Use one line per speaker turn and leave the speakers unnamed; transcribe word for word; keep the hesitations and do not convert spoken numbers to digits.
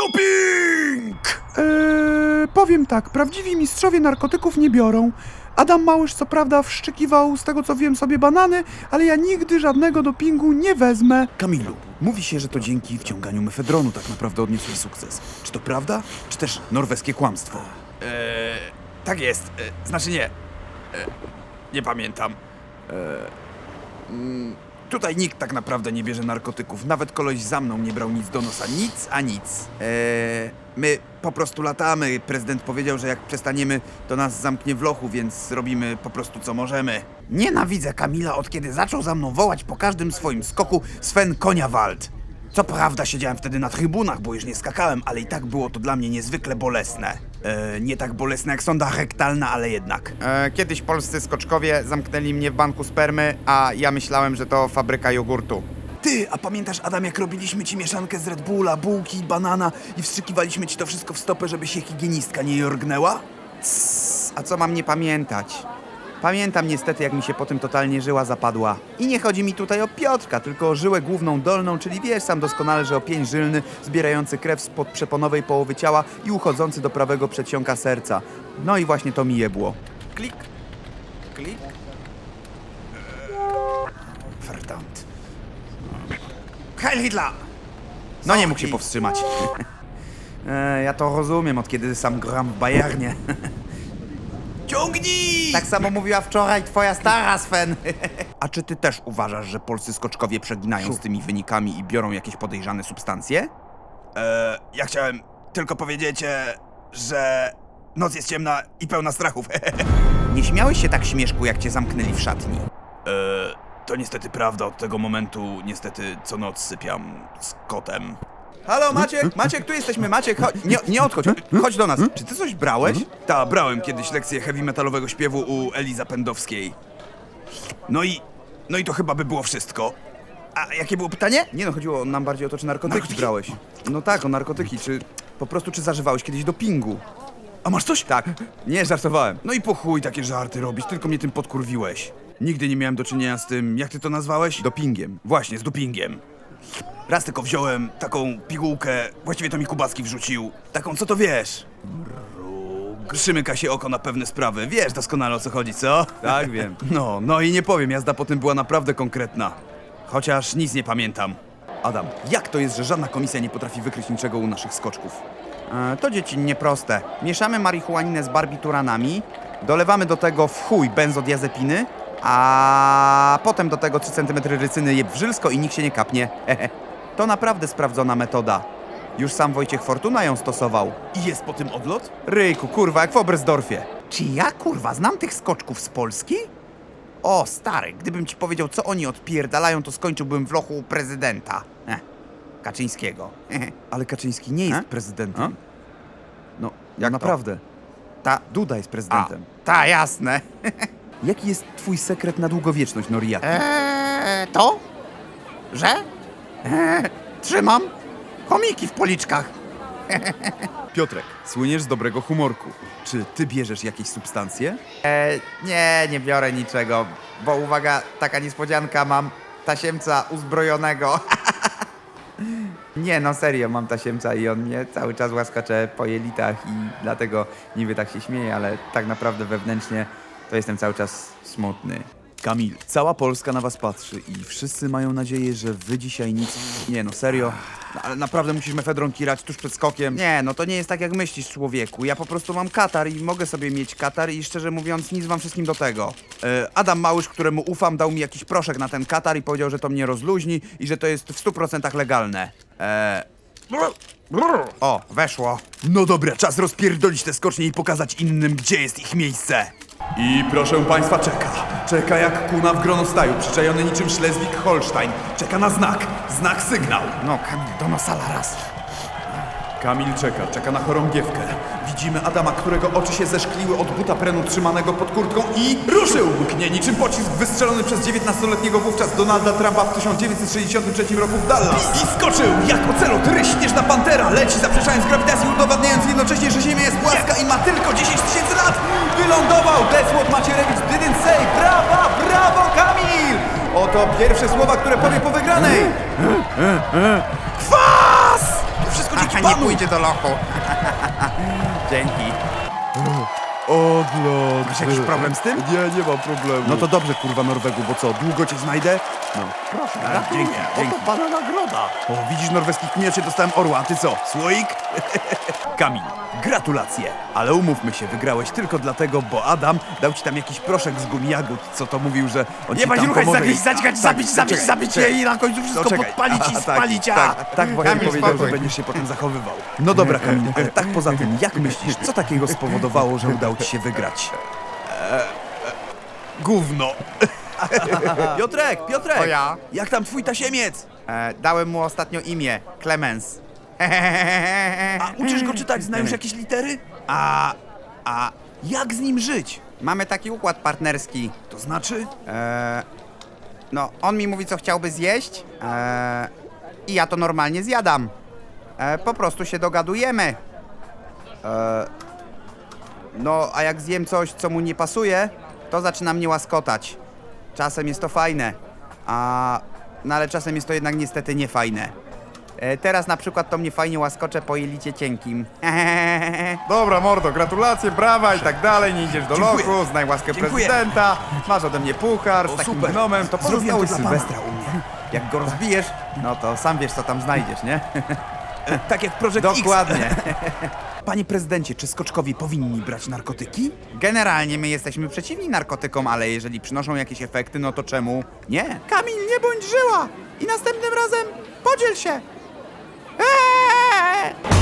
Doping!
Eee, powiem tak, prawdziwi mistrzowie narkotyków nie biorą. Adam Małysz co prawda wszczykiwał, z tego co wiem, sobie banany, ale ja nigdy żadnego dopingu nie wezmę.
Kamilu, mówi się, że to dzięki wciąganiu mefedronu tak naprawdę odniosłeś sukces. Czy to prawda, czy też norweskie kłamstwo? Eee, tak jest. Eee, znaczy nie. Eee, nie pamiętam. Eee, mm, tutaj nikt tak naprawdę nie bierze narkotyków. Nawet koleś za mną nie brał nic do nosa. Nic a nic. Eee, my po prostu latamy. Prezydent powiedział, że jak przestaniemy, to nas zamknie w lochu, więc robimy po prostu co możemy. Nienawidzę Kamila, od kiedy zaczął za mną wołać po każdym swoim skoku Sven Koniawald. Co prawda siedziałem wtedy na trybunach, bo już nie skakałem, ale i tak było to dla mnie niezwykle bolesne. E, nie tak bolesne jak sonda rektalna, ale jednak.
E, kiedyś polscy skoczkowie zamknęli mnie w banku spermy, a ja myślałem, że to fabryka jogurtu.
Ty, a pamiętasz, Adam, jak robiliśmy ci mieszankę z Red Bulla, bułki, banana i wstrzykiwaliśmy ci to wszystko w stopę, żeby się higienistka nie jorgnęła?
Css, a co mam nie pamiętać? Pamiętam niestety, jak mi się po tym totalnie żyła zapadła. I nie chodzi mi tutaj o Piotrka, tylko o żyłę główną dolną, czyli wiesz sam doskonale, że o pień żylny, zbierający krew spod przeponowej połowy ciała i uchodzący do prawego przedsionka serca. No i właśnie to mi jebło.
Klik, klik. Verdammt. Heil Hitler!
No nie mógł się powstrzymać. e, ja to rozumiem, od kiedy sam gram w Bayernie.
Ciągnij!
Tak samo mówiła wczoraj twoja stara, Sven.
A czy ty też uważasz, że polscy skoczkowie przeginają z tymi wynikami i biorą jakieś podejrzane substancje? Eee, ja chciałem tylko powiedzieć, e, że noc jest ciemna i pełna strachów.
Nie śmiałeś się tak, śmieszku, jak cię zamknęli w szatni?
Eee, to niestety prawda, od tego momentu niestety co noc sypiam z kotem.
Halo, Maciek, Maciek, tu jesteśmy, Maciek, chodź, nie, nie odchodź, chodź do nas. Czy ty coś brałeś?
Ta, brałem kiedyś lekcję heavy metalowego śpiewu u Eli Zapędowskiej. No i, no i to chyba by było wszystko. A jakie było pytanie?
Nie no, chodziło nam bardziej o to, czy narkotyki,
Narkotyki?
brałeś. No tak, o narkotyki, czy po prostu, czy zażywałeś kiedyś dopingu?
A masz coś?
Tak, nie, żartowałem.
No i po chuj takie żarty robić, tylko mnie tym podkurwiłeś. Nigdy nie miałem do czynienia z tym, jak ty to nazwałeś?
Dopingiem.
Właśnie, z dopingiem. Raz tylko wziąłem taką pigułkę, właściwie to mi Kubacki wrzucił. Taką, co to wiesz? Przymyka się oko na pewne sprawy. Wiesz doskonale, o co chodzi, co?
Tak, wiem.
No, no i nie powiem, jazda po tym była naprawdę konkretna. Chociaż nic nie pamiętam. Adam, jak to jest, że żadna komisja nie potrafi wykryć niczego u naszych skoczków?
E, to dziecinnie proste. Mieszamy marihuaninę z barbituranami, dolewamy do tego w chuj benzodiazepiny, a potem do tego trzy centymetry rycyny jeb w żylsko i nikt się nie kapnie. To naprawdę sprawdzona metoda. Już sam Wojciech Fortuna ją stosował.
I jest po tym odlot?
Ryjku, kurwa, jak w Oberstdorfie. Czy ja, kurwa, znam tych skoczków z Polski? O, stary, gdybym ci powiedział, co oni odpierdalają, to skończyłbym w lochu u prezydenta. Eh, Kaczyńskiego.
Ale Kaczyński nie jest
A?
prezydentem.
A?
No,
Jak to?
naprawdę.
Ta,
Duda jest
a,
prezydentem.
ta, jasne.
Jaki jest twój sekret na długowieczność, Noriaki?
Eee, to? Że? Eee, trzymam chomiki w policzkach.
Piotrek, słyniesz z dobrego humorku. Czy ty bierzesz jakieś substancje?
Eee, nie, nie biorę niczego, bo uwaga, taka niespodzianka, mam tasiemca uzbrojonego. Nie, no serio, mam tasiemca i on mnie cały czas łaskacze po jelitach i dlatego niby tak się śmieję, ale tak naprawdę wewnętrznie to jestem cały czas smutny.
Kamil, cała Polska na was patrzy i wszyscy mają nadzieję, że wy dzisiaj nic... Nie no, serio. No, ale naprawdę musisz mefedron kirać tuż przed skokiem.
Nie, no to nie jest tak jak myślisz, człowieku. Ja po prostu mam katar i mogę sobie mieć katar i szczerze mówiąc nic wam wszystkim do tego.
E, Adam Małysz, któremu ufam, dał mi jakiś proszek na ten katar i powiedział, że to mnie rozluźni i że to jest w stu procentach legalne. E...
O, weszło.
No dobra, czas rozpierdolić te skocznie i pokazać innym, gdzie jest ich miejsce. I proszę państwa, czeka. Czeka jak kuna w gronostaju, przyczajony niczym Schleswig-Holstein. Czeka na znak. Znak sygnał.
No, Kamil, do nosala raz.
Kamil czeka, czeka na chorągiewkę. Widzimy Adama, którego oczy się zeszkliły od buta prenu trzymanego pod kurtką i ruszył! Mknie niczym pocisk wystrzelony przez dziewiętnastoletniego wówczas Donalda Trumpa w tysiąc dziewięćset sześćdziesiątym trzecim roku w Dallas. I skoczył jak ocelot, ryś śnieżna pantera, leci zaprzeczając grawitacji, udowadniając jednocześnie, że Ziemia jest płaska i ma tylko dziesięć tysięcy lat! Wylądował! That's what Macierewicz didn't say! Brawa, brawo, Kamil! Oto pierwsze słowa, które powie po wygranej! Kwas! To wszystko dzięki
Nie
panu!
pójdzie do lochu. Dzięki.
Odlot.
Masz jakiś problem z tym?
Nie, nie mam problemu.
No to dobrze, kurwa Norwegu, bo co, długo cię znajdę? No.
proszę,
A, dzięki, dzięki.
Oto pana nagroda.
O, widzisz, norweski kminiacie, dostałem orła, a ty co, słoik? Kamil, gratulacje. Ale umówmy się, wygrałeś tylko dlatego, bo Adam dał ci tam jakiś proszek z gumijagód, co to mówił, że on
Nie
ci
bądź
tam
ruchać,
pomoże
zagryźć,
i-
zaćgać,
Tak,
zabić,
tak,
zabić,
czekaj,
zabić
czekaj.
je i na końcu wszystko
To czekaj.
podpalić i
A,
spalić, a...
Tak, tak, tak właśnie
Kamil,
powiedział,
spokój.
że będziesz się potem zachowywał. No dobra, Kamil, e, tak poza tym, jak myślisz, co takiego spowodowało, że udało ci się wygrać? E, e, gówno. Piotrek, Piotrek!
To ja?
Jak tam twój tasiemiec?
E, dałem mu ostatnio imię, Clemens.
A uczysz go czytać, znają już jakieś litery? A, a jak z nim żyć?
Mamy taki układ partnerski.
To znaczy?
E, no, on mi mówi, co chciałby zjeść e, i ja to normalnie zjadam. E, po prostu się dogadujemy. E, no, a jak zjem coś, co mu nie pasuje, to zaczyna mnie łaskotać. Czasem jest to fajne, a, no ale czasem jest to jednak niestety niefajne. E, teraz na przykład to mnie fajnie łaskocze po jelicie cienkim. Dobra, mordo, gratulacje, brawa i tak dalej, nie idziesz do
Dziękuję.
lochu, znaj łaskę
Dziękuję.
prezydenta, masz ode mnie puchar z
O,
takim
super.
gnomem, to
Zrobiłem
pozostały
to dla
Sylwestra u mnie. Jak go rozbijesz, no to sam wiesz, co tam znajdziesz, nie?
Tak jak Project X.
Dokładnie.
Panie prezydencie, czy skoczkowie powinni brać narkotyki?
Generalnie my jesteśmy przeciwni narkotykom, ale jeżeli przynoszą jakieś efekty, no to czemu nie? Kamil, nie bądź żyła! I następnym razem podziel się! Eee!